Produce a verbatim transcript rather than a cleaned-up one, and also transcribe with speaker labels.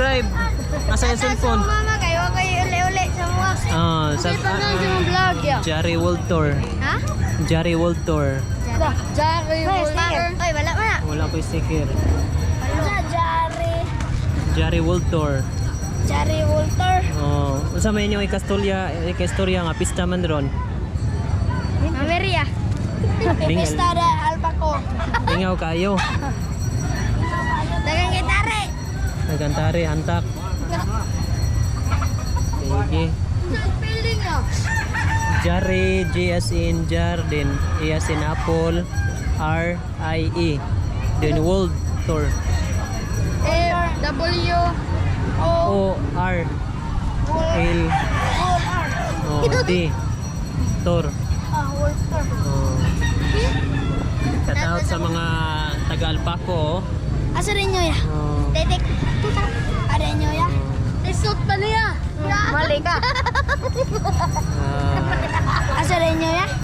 Speaker 1: subscribe. Nasa yung cellphone.
Speaker 2: Mama kayo kayo uli-uli sa mga.
Speaker 1: Ah, sa
Speaker 2: Sa vlog ya.
Speaker 1: Jari World Tour.
Speaker 2: Ha?
Speaker 1: Jari World Tour.
Speaker 2: Jari Walter. Oy, wala man na.
Speaker 1: Wala ko yung sticker.
Speaker 2: Sa Jari.
Speaker 1: Jari World Tour.
Speaker 2: Jari Walter.
Speaker 1: Oh, unsa may inyo ikastorya, ikastorya nga pista man ron.
Speaker 2: Mameria.
Speaker 1: Bingal.
Speaker 2: Pestada Alpaco.
Speaker 1: Ingaw kayo.
Speaker 2: Dagang gitare.
Speaker 1: Nagantari antak. Sige.
Speaker 2: Spelling ah.
Speaker 1: Jari, J as in Jardin, E as in Apple, R I E. Then World Tour.
Speaker 2: M W O
Speaker 1: O R L O D Tour.
Speaker 2: Ah, Walter.
Speaker 1: Oh. Shout out sa mga taga Alpaco.
Speaker 2: Asa rin nyo ya?
Speaker 1: Oh.
Speaker 2: Tetek. Ada nyo ya? Isot pa niya. Mali ka.
Speaker 1: Ah.
Speaker 2: Asa rin nyo ya?